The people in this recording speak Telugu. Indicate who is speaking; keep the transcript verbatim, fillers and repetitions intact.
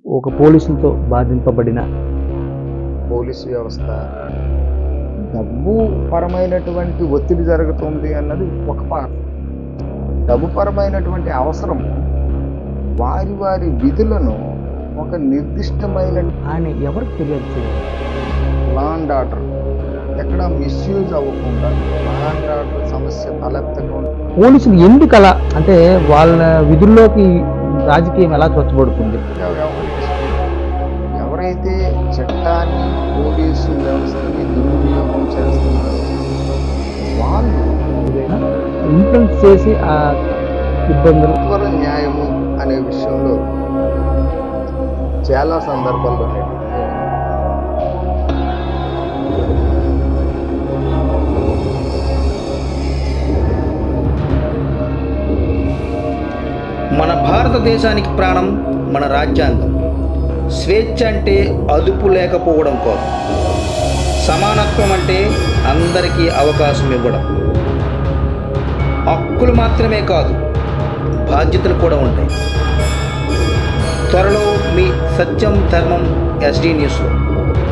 Speaker 1: ఒక పోలీసులతో బాధింపబడిన
Speaker 2: పోలీసు వ్యవస్థ డబ్బు పరమైనటువంటి ఒత్తిడి జరుగుతుంది అన్నది ఒక పాట. డబ్బు పరమైనటువంటి అవసరం వారి వారి విధులను ఒక నిర్దిష్టమైన
Speaker 1: ఆయన ఎవరికి ఫిర్యాదు చేయాలి?
Speaker 2: లా అండ్ ఆర్డర్ ఎక్కడ మిస్యూజ్ అవ్వకుండా లా అండ్ ఆర్డర్ సమస్య తలెత్తకుండా
Speaker 1: పోలీసులు ఎందుకు అలా అంటే వాళ్ళ విధుల్లోకి రాజకీయం ఎలా చొచ్చబడుతుంది?
Speaker 2: వ్యవహరిస్తారు. ఎవరైతే చట్టాన్ని పోలీసు వ్యవస్థని దుర్వినియోగం చేస్తున్నారో వాళ్ళు
Speaker 1: ఇన్ఫ్లుయెన్స్ చేసి ఆ ఇబ్బందులు
Speaker 2: సత్వర న్యాయము అనే విషయంలో చాలా సందర్భాల్లో నేను
Speaker 3: మన భారతదేశానికి ప్రాణం మన రాజ్యాంగం. స్వేచ్ఛ అంటే అదుపు లేకపోవడం కాదు, సమానత్వం అంటే అందరికీ అవకాశం ఇవ్వడం. హక్కులు మాత్రమే కాదు, బాధ్యతలు కూడా ఉంటాయి. త్వరలో మీ సత్యం ధర్మం ఎస్డీ న్యూస్లో.